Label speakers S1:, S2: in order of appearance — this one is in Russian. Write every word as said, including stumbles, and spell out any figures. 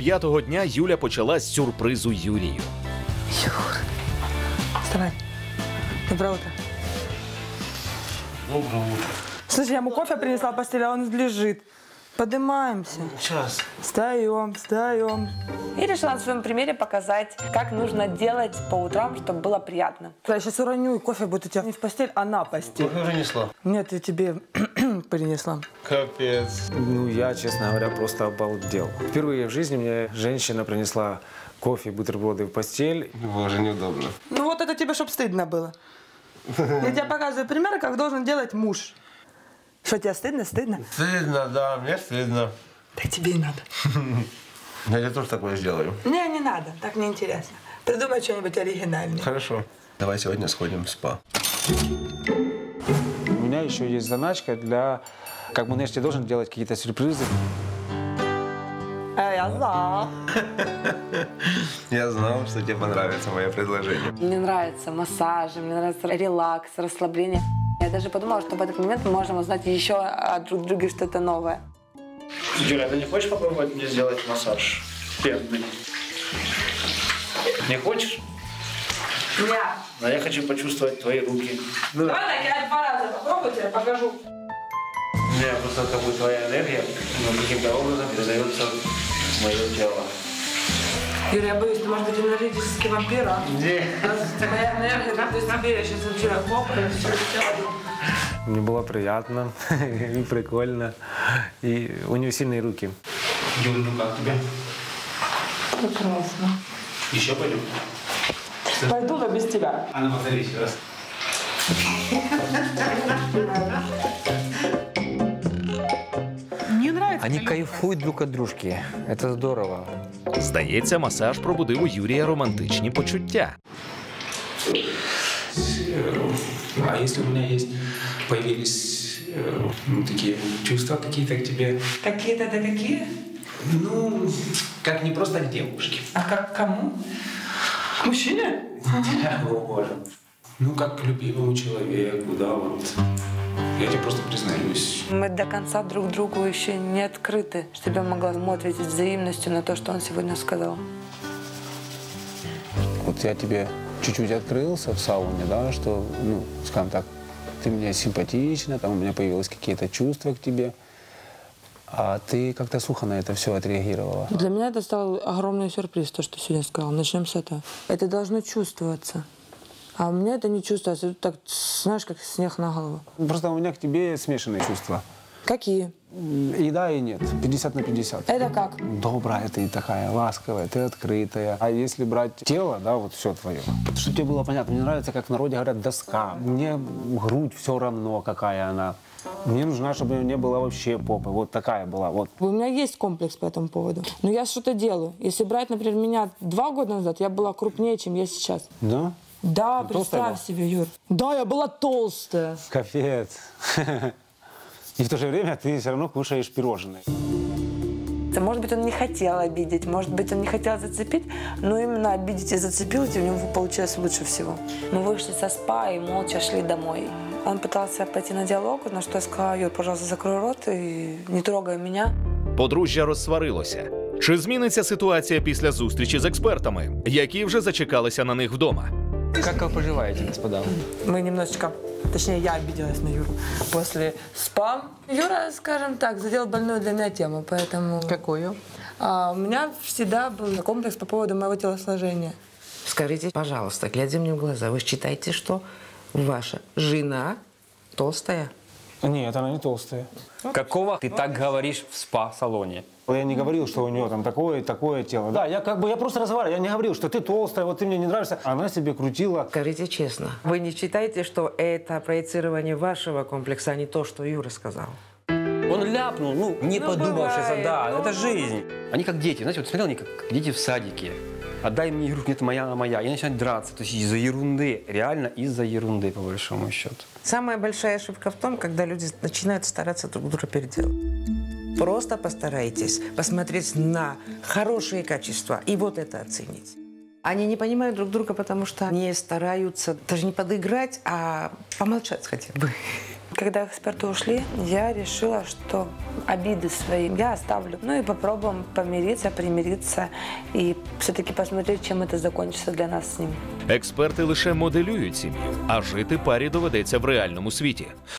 S1: п'ятого дня Юля почала з сюрпризу Юрію.
S2: Юр, вставай. Доброе утро.
S3: Доброе утро.
S2: Слушай, я ему кофе принесла в постель, а он лежит. Поднимаемся.
S3: Сейчас.
S2: Встаем, встаем.
S4: И решила на своем примере показать, как нужно делать по утрам, чтобы было приятно.
S2: Я сейчас уроню, и кофе будет у тебя не в постель, а на постель.
S3: Кофе уже несла.
S2: Нет, я тебе принесла.
S3: Капец.
S5: Ну, я, честно говоря, просто обалдел. Впервые в жизни мне женщина принесла кофе, бутерброды в постель.
S3: Было же неудобно.
S2: Ну вот это тебе, чтоб стыдно было. Я тебе показываю пример, как должен делать муж. Что, тебе стыдно? Стыдно?
S3: Стыдно, да, мне стыдно.
S2: Так тебе и надо.
S3: Я тебе тоже такое сделаю.
S2: Не, не надо, так неинтересно. Придумай что-нибудь оригинальное.
S3: Хорошо. Давай сегодня сходим в спа.
S5: У меня еще есть заначка для... Как бы, знаешь, я должен делать какие-то сюрпризы.
S2: А я знала.
S3: Я знал, что тебе понравится мое предложение.
S4: Мне нравятся массажи, мне нравится релакс, расслабление. Я даже подумала, что в этот момент мы можем узнать еще о друг друге что-то новое.
S6: Юля, ты не хочешь попробовать мне сделать массаж пенный? Не хочешь?
S2: Нет.
S6: А я хочу почувствовать твои руки.
S2: Давай так, я два раза попробую, тебе покажу.
S6: У меня просто как бы твоя энергия ну, каким-то образом передается в мое тело.
S2: Юрий, я боюсь, ты может быть энергетический вампир, а?
S6: Нет.
S2: Моя энергия, как из тебе, я сейчас начинаю хлопать, все
S5: Мне было приятно и прикольно. И у нее сильные руки.
S6: Юля, ну как тебе?
S2: Прекрасно.
S6: Еще пойдем?
S2: Пойду, но без тебя.
S6: А ну повтори еще раз.
S2: Мне нравится.
S7: Они кайфуют друг от дружки. Это здорово.
S1: Здається, масаж пробудив у Юрія романтичні почуття.
S8: А если у меня есть, появились э, ну, такие чувства какие-то к тебе?
S2: Какие-то да какие?
S8: Ну, как не просто к девушке.
S2: А как к кому? К мужчине?
S8: О, Боже. Ну, как к любимому человеку, да, вот. Я тебе просто признаюсь.
S4: Мы до конца друг другу еще не открыты, чтобы я могла ему ответить взаимностью на то, что он сегодня сказал.
S5: Вот я тебе чуть-чуть открылся в сауне, да, что, ну, скажем так, ты мне симпатична, там у меня появились какие-то чувства к тебе. А ты как-то сухо на это все отреагировала.
S2: Для меня это стал огромный сюрприз, то, что сегодня сказал. Начнем с этого. Это должно чувствоваться. А у меня это не чувствуется. Это так, знаешь, как снег на голову.
S5: Просто у меня к тебе смешанные чувства.
S2: Какие?
S5: И да, и нет. пятьдесят на пятьдесят.
S2: Это как?
S5: Добрая ты такая, ласковая, ты открытая. А если брать тело, да, вот все твое. Чтобы тебе было понятно, мне нравится, как в народе говорят, доска. Мне грудь все равно, какая она. Мне нужна, чтобы у нее не было вообще попы. Вот такая была. Вот.
S2: У меня есть комплекс по этому поводу. Но я что-то делаю. Если брать, например, меня два года назад, я была крупнее, чем я сейчас.
S5: Да?
S2: Да,
S5: Ты
S2: представь себе, Юр. Да, я была толстая.
S5: Капец. И в то же время ты все равно кушаешь пирожные.
S4: Может быть, он не хотел обидеть, может быть, он не хотел зацепить, но именно обидеть и зацепить у него получилось лучше всего. Мы вышли со спа и молча шли домой. Он пытался пойти на диалог, на что я сказала: Юр, пожалуйста, закрой рот и не трогай меня.
S1: Подружжя розсварилося. Чи зміниться ситуація після зустрічі з експертами, які вже зачекалися на них вдома?
S7: Как вы поживаете, господа?
S2: Мы немножечко, точнее, я обиделась на Юру после спа. Юра, скажем так, задел больную для меня тему, поэтому...
S7: Какую?
S2: А, у меня всегда был комплекс по поводу моего телосложения.
S9: Скажите, пожалуйста, глядя мне в глаза, вы считаете, что ваша жена толстая?
S5: Нет, она не толстая.
S7: Какого ты так говоришь в спа-салоне?
S5: Я не говорил, что у нее там такое и такое тело. Да, я как бы, я просто разговаривал, я не говорил, что ты толстая, вот ты мне не нравишься. Она себе крутила.
S9: Скажите честно, вы не считаете, что это проецирование вашего комплекса, а не то, что Юра сказал?
S7: Он ляпнул, ну, не
S9: Ну,
S7: подумавшись,
S9: бывает,
S7: да,
S9: ну,
S7: это
S9: ну.
S7: жизнь. Они как дети, знаете, вот смотрел они как дети в садике. Отдай мне игрушку, нет, моя, она моя. И начинают драться, то есть из-за ерунды, реально из-за ерунды, по большому счету.
S9: Самая большая ошибка в том, когда люди начинают стараться друг друга переделать. Просто постарайтесь посмотреть на хорошие качества и вот это оценить. Они не понимают друг друга, потому что не стараются даже не подыграть, а помолчать хотя бы.
S4: Когда эксперты ушли, я решила, что обиды свои я оставлю. Ну и попробуем помириться, примириться и все-таки посмотреть, чем это закончится для нас с ним.
S1: Експерти лише моделюють сім'ю, а жити парі доведеться в реальному світі.